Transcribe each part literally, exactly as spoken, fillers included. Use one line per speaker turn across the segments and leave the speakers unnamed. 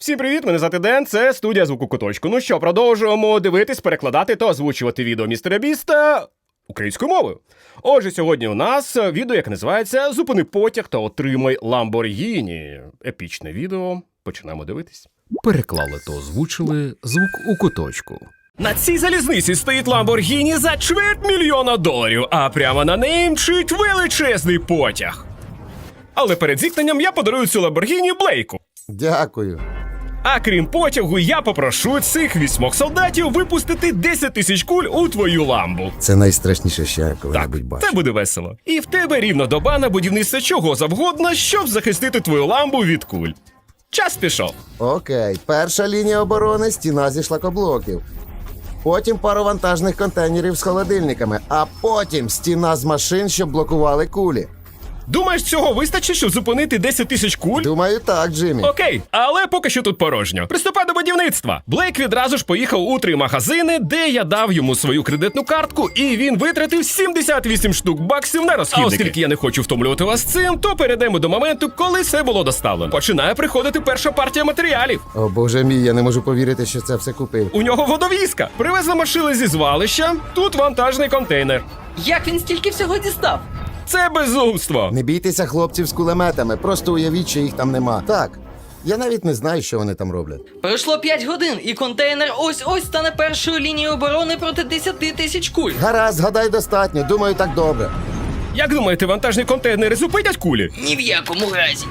Всім привіт, мене звати Ден, це студія Звуку Куточку. Ну що, продовжуємо дивитись, перекладати та озвучувати відео містера Біста українською мовою. Отже, сьогодні у нас відео, яке називається «Зупини потяг та отримай Ламборгіні». Епічне відео. Починаємо дивитись.
Переклали та озвучили Звук у Куточку.
На цій залізниці стоїть Ламборгіні за чверть мільйона доларів, а прямо на неї мчить величезний потяг. Але перед зіткненням я подарую цю Ламборгіні Блейку.
Дякую.
А крім потягу, я попрошу цих вісьмох солдатів випустити десять тисяч куль у твою ламбу.
Це найстрашніше, що я
Так,
коли-небудь бачив.
це буде весело. І в тебе рівно доба на будівництво чого завгодно, щоб захистити твою ламбу від куль. Час пішов.
Окей, перша лінія оборони – стіна зі шлакоблоків. Потім пару вантажних контейнерів з холодильниками, а потім стіна з машин, щоб блокували кулі.
Думаєш, цього вистачить, щоб зупинити десять тисяч куль?
Думаю, так, Джиммі.
Окей, але поки що тут порожньо. Приступай до будівництва. Блейк відразу ж поїхав у три магазини, де я дав йому свою кредитну картку, і він витратив сімдесят вісім штук баксів на розхідники. А оскільки я не хочу втомлювати вас цим, то перейдемо до моменту, коли все було доставлено. Починає приходити перша партія матеріалів.
О, боже мій, я не можу повірити, що це все купив.
У нього водовізка. Привезли машини зі звалища, тут вантажний контейнер.
Як він стільки всього дістав?
Це безумство.
Не бійтеся хлопців з кулеметами, просто уявіть, що їх там нема. Так, я навіть не знаю, що вони там роблять.
Пройшло п'ять годин, і контейнер ось-ось стане першою лінією оборони проти десяти тисяч куль.
Гаразд, гадай достатньо, думаю, так добре.
Як думаєте, вантажні контейнери зупинять кулі?
Ні в якому разі.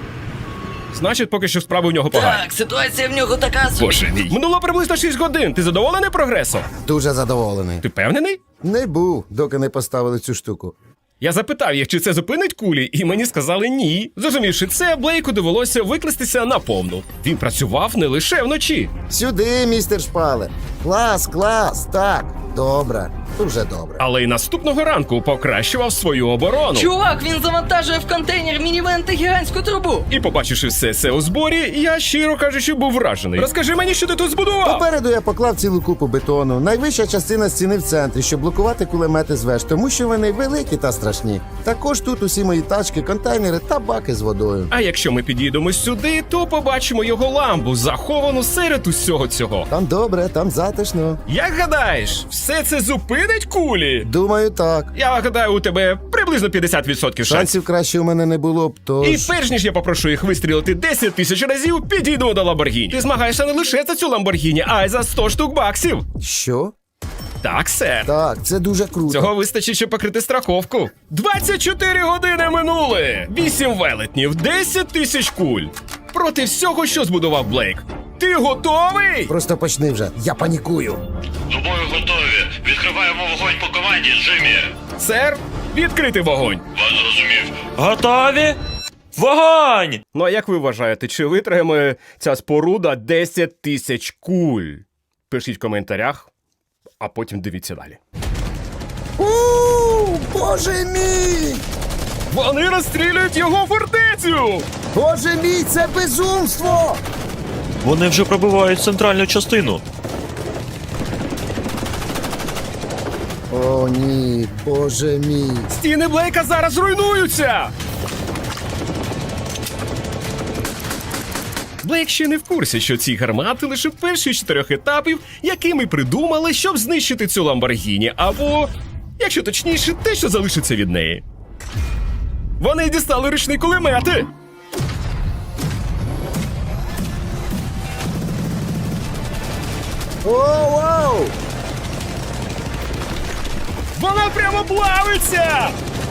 Значить, поки що справи у нього погані.
Так, ситуація в нього така собі.
Боже мій. Минуло приблизно шість годин. Ти задоволений прогресом?
Дуже задоволений.
Ти впевнений?
Не був, доки не поставили цю штуку.
Я запитав їх, чи це зупинить кулі, і мені сказали ні. Зрозумівши це, Блейку довелося викластися наповну. Він працював не лише вночі.
Сюди, містер Шпалер. Клас, клас, так, добре, дуже добре.
Але й наступного ранку покращував свою оборону.
Чувак, він завантажує в контейнер мінівен та гігантську трубу.
І побачивши все це у зборі, я, щиро кажучи, був вражений. Розкажи мені, що ти тут збудував?
Попереду я поклав цілу купу бетону. Найвища частина стіни в центрі, щоб блокувати кулемети з веж, тому що вони великі та страшні. Також тут усі мої тачки, контейнери та баки з водою.
А якщо ми підійдемо сюди, то побачимо його ламбу, заховану серед усього цього.
Там добре, там затишно.
Як гадаєш, все це зупинить кулі?
Думаю, так.
Я гадаю, у тебе приблизно п'ятдесят відсотків шансів.
Шансів краще у мене не було б, тож...
І перш ніж я попрошу їх вистрілити десять тисяч разів, підійду до Ламборгіні. Ти змагаєшся не лише за цю Ламборгіні, а й за сто штук баксів.
Що?
Так, сер.
Так, це дуже круто.
Цього вистачить, щоб покрити страховку. двадцять чотири години минули! вісім велетнів, десять тисяч куль. Проти всього, що збудував Блейк. Ти готовий?
Просто почни вже, я панікую.
До бою готові. Відкриваємо вогонь по команді, Джиммі.
Сер, відкрити вогонь.
Вас зрозумів.
Готові? Вогонь!
Ну а як ви вважаєте, чи витримає ця споруда десять тисяч куль? Пишіть в коментарях, а потім дивіться далі.
Ууу, боже мій!
Вони розстрілюють його фортецю!
Боже мій, це безумство!
Вони вже пробивають центральну частину.
О, ні, боже мій.
Стіни Блейка зараз руйнуються! Блейк ще не в курсі, що ці гармати лише перші з чотирьох етапів, які ми придумали, щоб знищити цю Ламборгіні, або, якщо точніше, те, що залишиться від неї. Вони дістали ручні кулемети!
О, вау!
Вона прямо плавиться!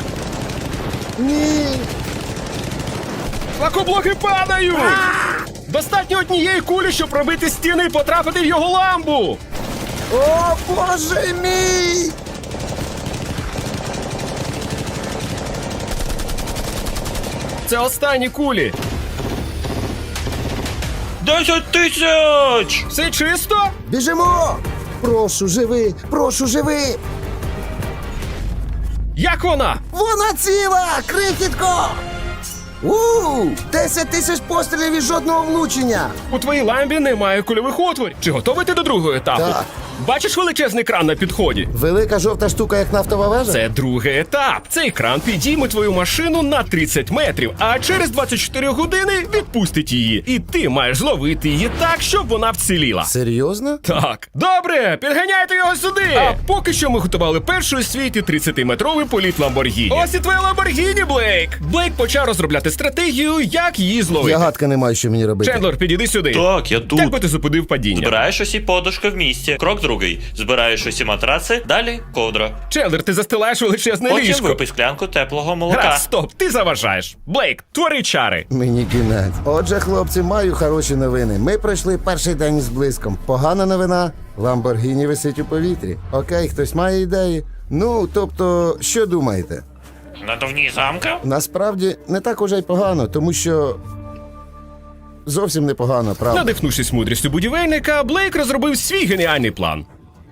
Ні!
Лакоблоки падають! Достатньо однієї кулі, щоб пробити стіни і потрапити в його ламбу!
О, боже мій!
Це останні кулі!
Десять тисяч!
Все чисто?
Біжимо! Прошу, живи! Прошу, живи!
Як вона?
Вона ціла! Крихітко! Ууу! Десять тисяч пострілів і жодного влучення!
У твоїй ламбі немає кульових отворів. Чи готовий ти до другого етапу?
Так,
Бачиш величезний кран на підході?
Велика жовта штука, як нафтова вежа?
Це другий етап. Цей кран підійме твою машину на тридцять метрів, а через двадцять чотири години відпустить її. І ти маєш зловити її так, щоб вона вціліла.
Серйозно?
Так, добре, підганяйте його сюди. А поки що ми готували перший у світі тридцятиметровий політ Ламборгіні. Ось і твоя Ламборгіні, Блейк. Блейк почав розробляти стратегію, як її зловити.
Я гадки не маю, що мені робити.
Чендлер, підійди сюди.
Так, я тут.
Як би ти зупинив падіння?
Збираєш усі подушки в місті. Крок другий. Збираєш усі матраци, далі ковдра.
Чендлер, ти застилаєш величезне
Потім
ліжко.
випий склянку теплого молока.
Раз, стоп, ти заважаєш. Блейк, твори чари.
Мені кінець. Отже, хлопці, маю хороші новини. Ми пройшли перший день з блиском. Погана новина. Ламборгіні висить у повітрі. Окей, хтось має ідеї? Ну, тобто, що думаєте?
Надувні замка?
Насправді не так уже й погано, тому що зовсім не погано, правда.
Надихнувшись мудрістю будівельника, Блейк розробив свій геніальний план.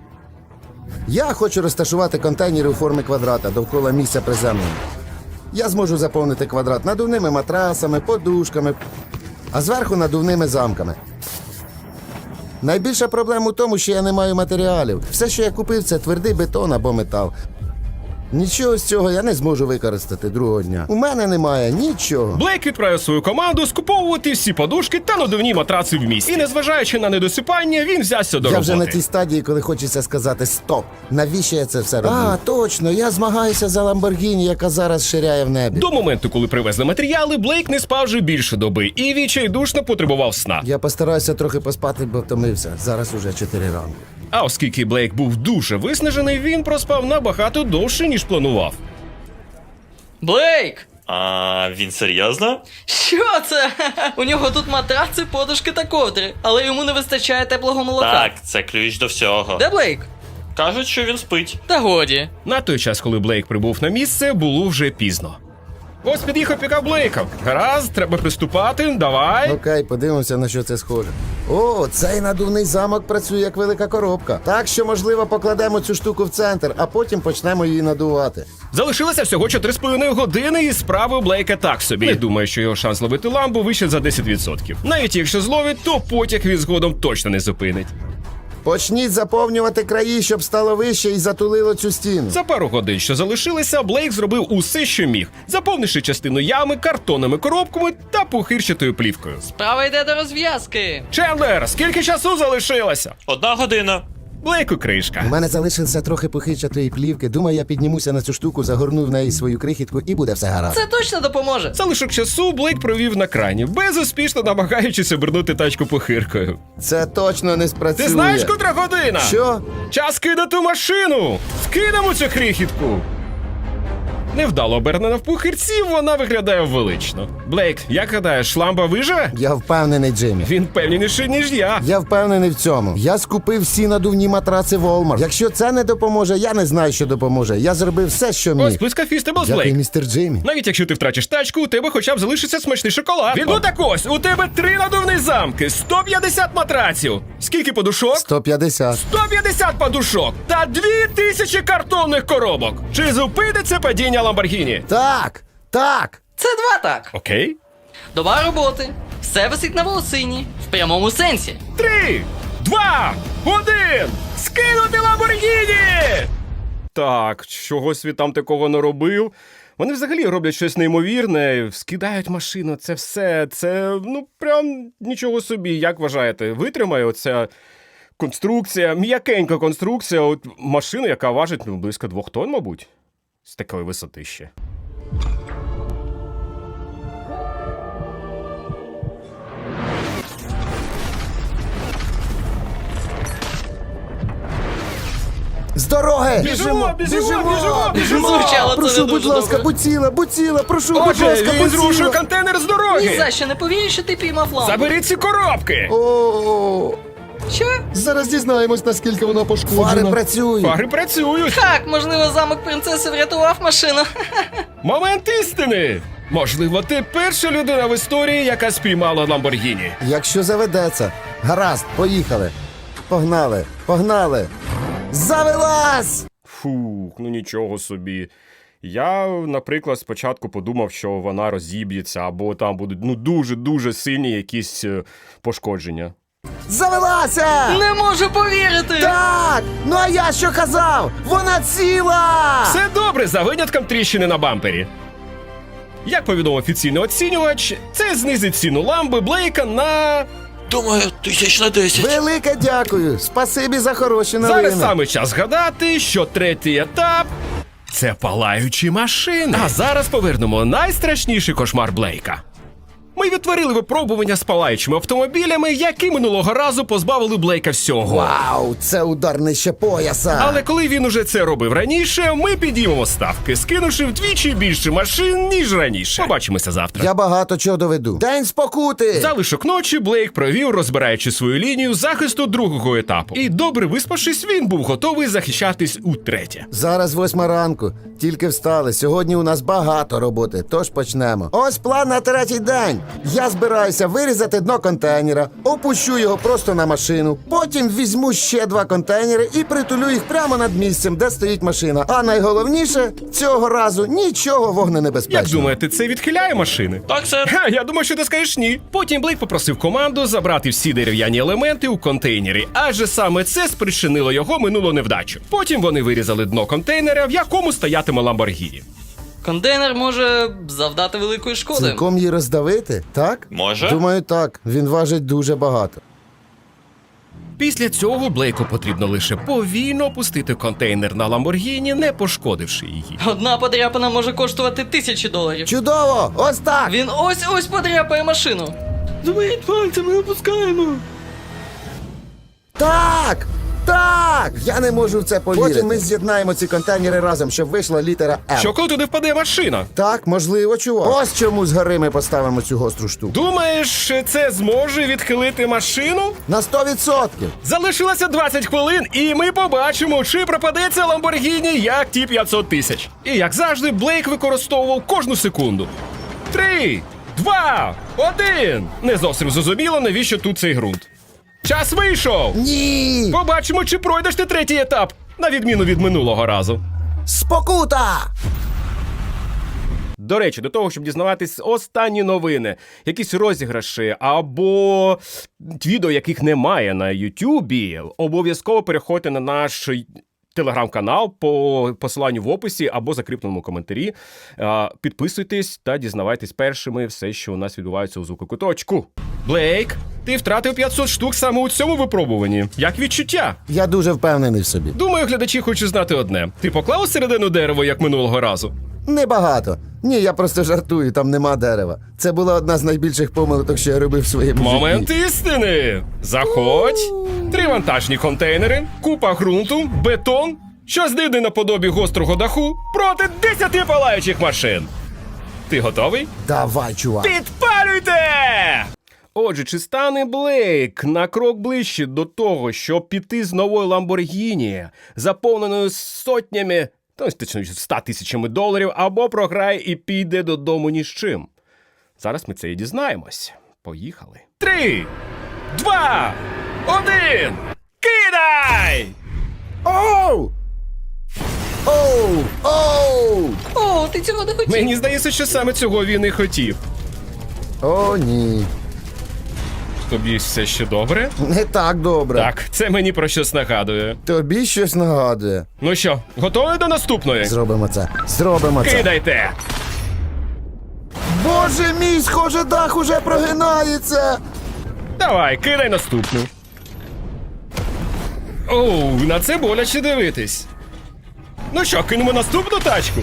Я хочу розташувати контейнери у формі квадрата довкола місця приземлення. Я зможу заповнити квадрат надувними матрасами, подушками, а зверху надувними замками. Найбільша проблема у тому, що я не маю матеріалів. Все, що я купив, це твердий бетон або метал. Нічого з цього я не зможу використати другого дня. У мене немає нічого.
Блейк відправив свою команду скуповувати всі подушки та надувні матраци в місті. І незважаючи на недосипання, він взявся до
Я
роботи.
вже на тій стадії, коли хочеться сказати «стоп». Навіщо я це все роблю? А, точно, я змагаюся за Ламборгіні, яка зараз ширяє в небі.
До моменту, коли привезли матеріали, Блейк не спав вже більше доби і відчайдушно потребував сна.
Я постараюся трохи поспати, бо втомився. Зараз уже чотири ранку.
А оскільки Блейк був дуже виснажений, він проспав набагато довше, ніж планував.
Блейк!
А він серйозно?
Що це? У нього тут матраци, подушки та ковдри, але йому не вистачає теплого молока.
Так, це ключ до всього.
Де Блейк?
Кажуть, що він спить.
Та годі.
На той час, коли Блейк прибув на місце, було вже пізно. Ось під'їхав пікап Блейка. Гаразд, треба приступати, давай.
Окей, подивимося, на що це схоже. О, цей надувний замок працює як велика коробка. Так що, можливо, покладемо цю штуку в центр, а потім почнемо її надувати.
Залишилося всього чотири з половиною години, і справи у Блейка так собі. Не думаю, що його шанс ловити ламбу вище за десять відсотків. Навіть якщо зловить, то потяг він згодом точно не зупинить.
Почніть заповнювати краї, щоб стало вище і затулило цю стіну.
За пару годин, що залишилися, Блейк зробив усе, що міг, заповнивши частину ями картонними коробками та пухирчатою плівкою.
Справа йде до розв'язки.
Чендлер, скільки часу залишилося?
Одна година.
Блейку кришка.
У мене залишилося трохи похичатої плівки. Думаю, я піднімуся на цю штуку, загорну в неї свою крихітку і буде все гаразд.
Це точно допоможе.
Залишок часу Блейк провів на крані, безуспішно намагаючись обернути тачку похиркою.
Це точно не спрацює.
Ти знаєш, котра година?
Що?
Час кидати машину! Скинемо цю крихітку! Невдало обернена в пухирці, вона виглядає велично. Блейк, як гадаєш, ламба виживе?
Я впевнений, Джиммі.
Він певніший, ніж я.
Я впевнений в цьому. Я скупив всі надувні матраци Walmart. Якщо це не допоможе, я не знаю, що допоможе. Я зробив все, що міг.
Ось близька Фістеблс,
Дякую,
Блейк.
містер Джиммі.
Навіть якщо ти втратиш тачку, у тебе хоча б залишиться смачний шоколад. Ну так ось, у тебе три надувні замки, сто п'ятдесят матраців. Скільки подушок?
сто п'ятдесят.
сто п'ятдесят подушок та дві тисячі картонних коробок. Чи зупиниться падіння Ламборгіні?
Так, так.
Це два так.
Окей.
Доба роботи. Все висить на волосині. В прямому сенсі.
Три, два, один! Скинути Ламборгіні! Так, чогось він там такого не робив. Вони взагалі роблять щось неймовірне, скидають машину, це все, це, ну, прям нічого собі. Як вважаєте, витримає оця конструкція, м'якенька конструкція, от машину, яка важить, ну, близько двох тонн, мабуть, з такої висоти ще.
З дороги!
Біжимо, біжимо, біжимо, біжимо!
Звучало це
Прошу,
не
будь
дуже
ласка,
добре.
будь ціла, будь ціла, прошу, будь
Отже,
ласка,
він
будь
зрушує
ціла.
контейнер з
Ні
дороги!
за що не повіриш, що ти піймав лампу.
Заберіть ці коробки!
О,
Що?
зараз дізнаємось, наскільки вона пошкоджена. Фари працюють.
Фари працюють!
Так, можливо, замок принцеси врятував машину.
Момент істини! Можливо, ти перша людина в історії, яка спіймала Ламборгіні.
Якщо заведеться. Гаразд, поїхали. Погнали, погнали. Завелась!
Фух, ну нічого собі. Я, наприклад, спочатку подумав, що вона розіб'ється, або там будуть ну дуже-дуже сильні якісь е, пошкодження.
Завелася!
Не можу повірити!
Так! Ну а я що казав? Вона ціла!
Все добре за винятком тріщини на бампері. Як повідомив офіційний оцінювач, це знизить ціну ламби Блейка на...
Думаю, тисяч на десять.
Велике дякую! Спасибі за хороші новини.
Зараз саме час згадати, що третій етап – це палаючі машини. А зараз повернемо найстрашніший кошмар Блейка. Ми відтворили випробування з палаючими автомобілями, які минулого разу позбавили Блейка всього.
Вау, це удар нижче пояса!
Але коли він уже це робив раніше, ми підіймемо ставки, скинувши вдвічі більше машин, ніж раніше. Побачимося завтра.
Я багато чого доведу. День спокути!
Залишок ночі Блейк провів, розбираючи свою лінію захисту другого етапу. І добре виспавшись, він був готовий захищатись утретє.
Зараз восьма ранку. Тільки встали. Сьогодні у нас багато роботи, тож почнемо. Ось план на третій день. Я збираюся вирізати дно контейнера, опущу його просто на машину, потім візьму ще два контейнери і притулю їх прямо над місцем, де стоїть машина. А найголовніше, цього разу нічого вогненебезпечного.
Як думаєте, це відхиляє машини?
Так, сер.
Ха, я думаю, що ти скажеш ні. Потім Блейк попросив команду забрати всі дерев'яні елементи у контейнері, адже саме це спричинило його минулу невдачу. Потім вони вирізали дно контейнера, в якому стоятиме Ламборгіні.
Контейнер може завдати великої шкоди.
Цілком її роздавити, так?
Може.
Думаю, так. Він важить дуже багато.
Після цього Блейку потрібно лише повільно опустити контейнер на Ламборгіні, не пошкодивши її.
Одна подряпина може коштувати тисячі доларів.
Чудово! Ось так!
Він ось-ось подряпає машину. Двоїть пальцями опускаємо.
Так! Так! Я не можу в це повірити. Потім ми з'єднаємо ці контейнери разом, щоб вийшла літера М.
Що коли туди впаде машина?
Так, можливо, чувак. Ось чому згори ми поставимо цю гостру штуку.
Думаєш, це зможе відхилити машину?
На сто відсотків.
Залишилося двадцять хвилин, і ми побачимо, чи пропадеться Ламборгіні як ті п'ятсот тисяч. І як завжди, Блейк використовував кожну секунду. Три, два, один. Не зовсім зрозуміло, навіщо тут цей ґрунт. Час вийшов!
Ні!
Побачимо, чи пройдеш ти третій етап, на відміну від минулого разу.
Спокута!
До речі, до того, щоб дізнаватись останні новини, якісь розіграші або відео, яких немає на Ютубі, обов'язково переходьте на наш телеграм-канал по посиланню в описі або закріпленому коментарі. Підписуйтесь та дізнавайтесь першими все, що у нас відбувається у звукокуточку. Блейк, ти втратив п'ятсот штук саме у цьому випробуванні. Як відчуття?
Я дуже впевнений в собі.
Думаю, глядачі хочуть знати одне. Ти поклав усередину дерево, як минулого разу?
Небагато. Ні, я просто жартую, там нема дерева. Це була одна з найбільших помилок, що я робив в своєму
Момент
житті.
істини! Заходь! Три вантажні контейнери, купа ґрунту, бетон, щось дивне наподобі гострого даху проти десяти палаючих машин. Ти готовий?
Давай, чувак.
Підпалюйте! Отже, чи стане Блейк на крок ближче до того, щоб піти з новою Ламборгіні, заповненою сотнями, то точніше, ста тисячами доларів, або програє і піде додому ні з чим? Зараз ми це і дізнаємось. Поїхали. Три, два, один, кидай!
Оу! Оу! Оу!
О, ти цього не хотів.
Мені здається, що саме цього він і хотів.
О, ні.
Тобі все ще добре?
Не так добре.
Так, це мені про щось нагадує.
Тобі щось нагадує.
Ну що, готові до наступної?
Зробимо це. Зробимо це.
Кидайте!
Боже мій, схоже, дах уже прогинається.
Давай, кидай наступну. Оу, на це боляче дивитись. Ну що, кинемо наступну тачку?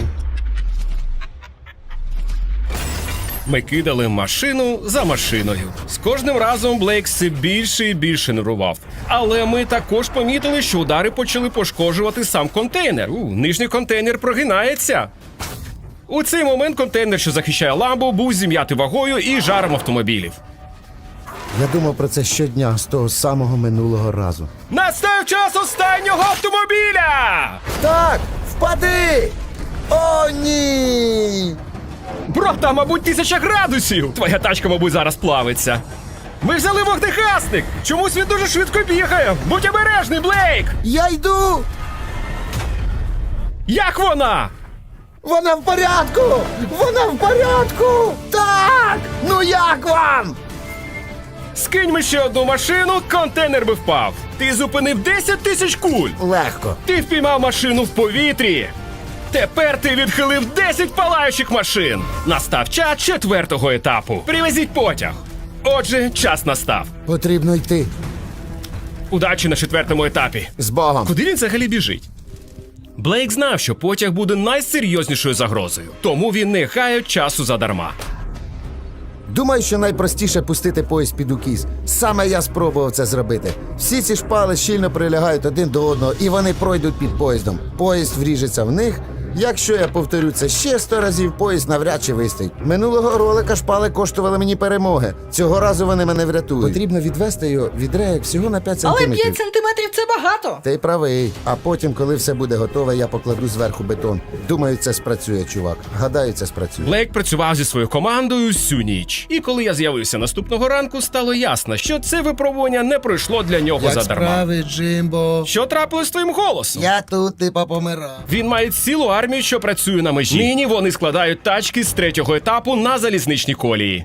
Ми кидали машину за машиною. З кожним разом Блейк все більше і більше нервував. Але ми також помітили, що удари почали пошкоджувати сам контейнер. У, нижній контейнер прогинається. У цей момент контейнер, що захищає ламбу, був зім'ятий вагою і жаром автомобілів.
Я думав про це щодня з того самого минулого разу.
Настав час останнього автомобіля!
Так, впади! О, ні!
Бро, там, мабуть, тисяча градусів! Твоя тачка, мабуть, зараз плавиться. Ми взяли вогнегасник! Чомусь він дуже швидко бігає! Будь обережний, Блейк!
Я йду!
Як вона?
Вона в порядку! Вона в порядку! Так! Ну як вам?
Скиньмо ще одну машину, контейнер би впав. Ти зупинив десять тисяч куль.
Легко.
Ти впіймав машину в повітрі. Тепер ти відхилив десять палаючих машин. Настав час четвертого етапу. Привезіть потяг. Отже, час настав.
Потрібно йти.
Удачі на четвертому етапі.
З Богом.
Куди він взагалі біжить? Блейк знав, що потяг буде найсерйознішою загрозою, тому він не гаяв часу задарма.
Думаю, що найпростіше пустити поїзд під укіс. Саме я спробував це зробити. Всі ці шпали щільно прилягають один до одного, і вони пройдуть під поїздом. Поїзд вріжеться в них. Якщо я повторю це ще сто разів, поїзд навряд чи вистоїть. Минулого ролика шпали коштували мені перемоги. Цього разу вони мене врятують. Потрібно відвести його від рейок всього на п'ять
Але
сантиметрів.
п'ять сантиметрів це багато.
Ти правий. А потім, коли все буде готове, я покладу зверху бетон. Думаю, це спрацює, чувак. Гадаю, це спрацює.
Блейк працював зі своєю командою всю ніч. І коли я з'явився наступного ранку, стало ясно, що це випробування не пройшло для нього задарма.
Джимбо?
Що трапилось з твоїм голосом?
Я тут, типа, помирав.
Він має цілу армію, що працює на межі. Нині вони складають тачки з третього етапу на залізничній колії.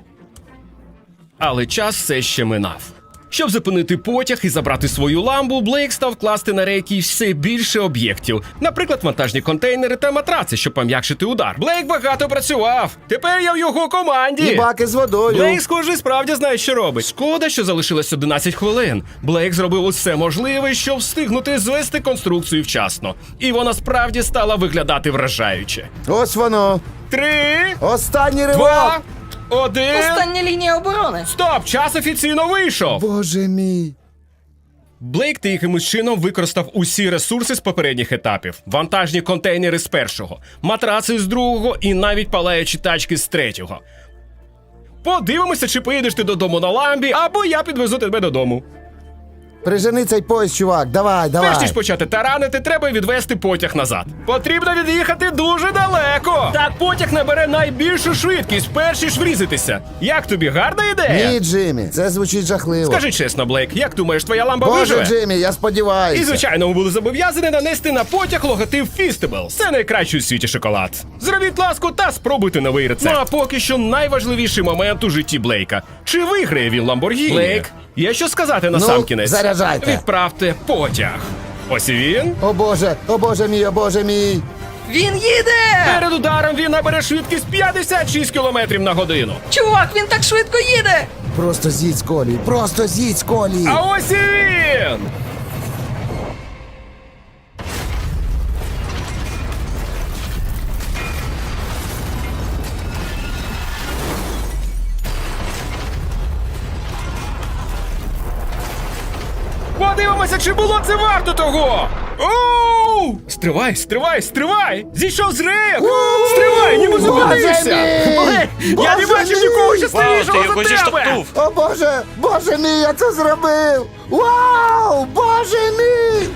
Але час все ще минав. Щоб зупинити потяг і забрати свою ламбу, Блейк став класти на рейки все більше об'єктів. Наприклад, вантажні контейнери та матраци, щоб пом'якшити удар. Блейк багато працював. Тепер я в його команді.
І баки з водою.
Блейк, схоже, справді знає, що робить. Шкода, що залишилось одинадцять хвилин. Блейк зробив усе можливе, щоб встигнути звести конструкцію вчасно. І вона справді стала виглядати вражаюче.
Ось воно.
Три,
Останній ривок.
два, один.
Остання лінія оборони.
Стоп! Час офіційно вийшов!
Боже мій.
Блейк та якимось чином використав усі ресурси з попередніх етапів. Вантажні контейнери з першого, матраци з другого і навіть палаючі тачки з третього. Подивимося, чи поїдеш ти додому на ламбі, або я підвезу тебе додому.
Прижени цей поїзд, чувак. Давай, давай.
Перш ніж почати таранити, треба відвести потяг назад. Потрібно від'їхати дуже далеко. Так потяг набере найбільшу швидкість, перш ніж врізатися. Як тобі, гарна ідея?
Ні, Джиммі, це звучить жахливо.
Скажи чесно, Блейк, як думаєш, твоя ламба
Боже,
виживе?
Джиммі, я сподіваюся.
І, звичайно, ми були зобов'язані нанести на потяг логотип Feastables. Це найкращий у світі шоколад. Зробіть ласку та спробуйте новий рецепт. Ну а поки що найважливіший момент у житті Блейка. Чи виграє він Ламборгіні? Блейк, є що сказати на
Ну,
сам кінець?
заряджайте.
Відправте потяг. Ось і він.
О боже, о боже мій, о боже мій.
Він їде!
Перед ударом він набере швидкість п'ятдесят шість кілометрів на годину.
Чувак, він так швидко їде!
Просто з'їдь з колії, просто з'їдь з колії.
А ось і він! Подивимося, чи було це варто того! Оу! Стривай, стривай, стривай! Зійшов з рейок! Стривай, ніби зупинився!
Боже мій!
Блин, я не
Боже
бачив
мій!
нікого
Вау, ти
щасливішого
його
за тебе!
зіштовхнув!
О боже, боже мій, я це зробив! Вау, боже мій!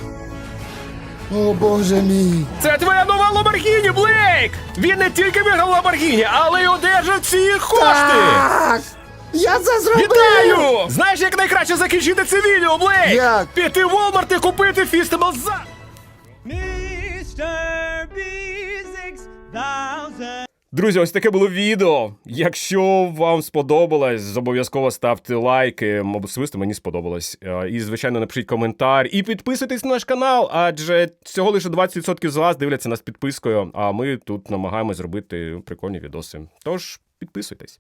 О боже мій!
Це твоя нова Ламборгіні, Блейк! Він не тільки виграв Ламборгіні, але й одержав ці кошти!
Так! Я це зробив!
Вітаю! Знаєш, як найкраще закінчити це відео, Блейк?
Як?
Піти в Walmart і купити Feastables за... Друзі, ось таке було відео. Якщо вам сподобалось, обов'язково ставте лайки. Особисто мені сподобалось. Е, І, звичайно, напишіть коментар. І підписуйтесь на наш канал, адже всього лише двадцять відсотків з вас дивляться нас підпискою, а ми тут намагаємось зробити прикольні відоси. Тож, підписуйтесь.